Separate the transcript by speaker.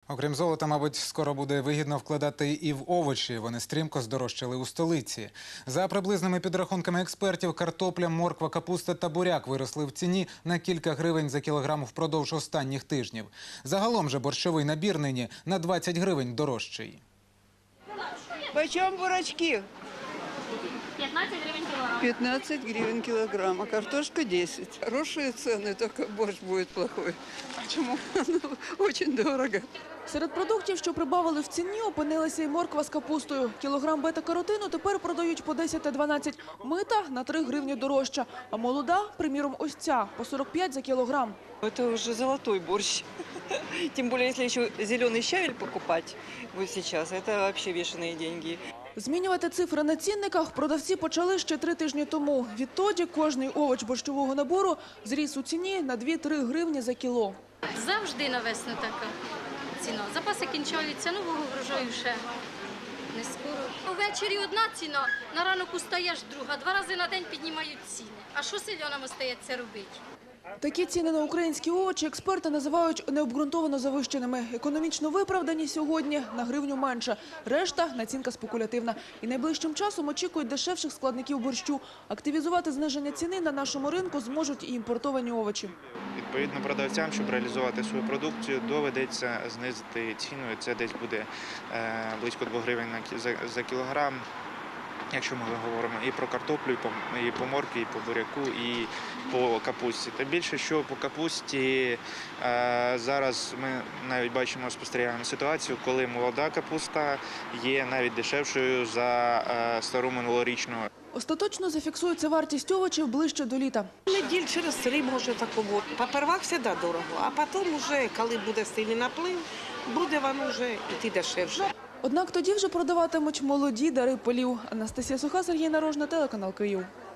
Speaker 1: Окрім золота, мабуть, скоро буде вигідно вкладати і в овочі. Вони стрімко здорожчали у столиці. За приблизними підрахунками експертів, картопля, морква, капуста та буряк виросли в ціні на кілька гривень за кілограм впродовж останніх тижнів. Загалом же борщовий набір нині на 20 гривень дорожчий.
Speaker 2: Почем бурачки?
Speaker 3: 15 гривен килограмм.
Speaker 2: 15 гривен килограмм, а картошка 10. Хорошие цены, только борщ будет плохой. Почему? Ну, очень дорого.
Speaker 4: Серед продуктів, що прибавили в ціні, опинилася і морква з капустою. Кілограм бета-каротину тепер продають по 10 та 12. Мита на 3 гривні дорожча. А молода, приміром, ось ця, по 45 за кілограм.
Speaker 5: Это уже золотой борщ. Тем более, если еще зеленый щавель покупать вот сейчас, это вообще бешеные деньги.
Speaker 4: Змінювати цифри на цінниках продавці почали ще 3 тижні тому. Відтоді кожний овоч борщового набору зріс у ціні на 2-3 гривні за кіло.
Speaker 3: Завжди на весну така ціна. Запаси кінчаються, нового врожаю ще не скоро. Увечері одна ціна, на ранок устаєш друга. 2 рази на день піднімають ціни. А що селянам остається робити?
Speaker 4: Такі ціни на українські овочі експерти називають необґрунтовано завищеними. Економічно виправдані сьогодні на гривню менше. Решта – націнка спекулятивна. І найближчим часом очікують дешевших складників борщу. Активізувати зниження ціни на нашому ринку зможуть і імпортовані овочі.
Speaker 6: Відповідно, продавцям, щоб реалізувати свою продукцію, доведеться знизити ціну. Це десь буде близько 2 гривень за кілограм. Якщо ми говоримо і про картоплю, і по моркві, і по буряку, і по капусті. Та більше, що по капусті зараз ми навіть бачимо, спостерігаємо ситуацію, коли молода капуста є навіть дешевшою за стару минулорічну.
Speaker 4: Остаточно зафіксується вартість овочів ближче до літа.
Speaker 7: Неділь через 3, може, такого. Попервах завжди дорого, а потім, вже, коли буде сильний наплив, буде воно вже йти дешевше.
Speaker 4: Однак тоді вже продаватимуть молоді дари полів. Анастасія Суха, Сергій Нарожна, телеканал Київ.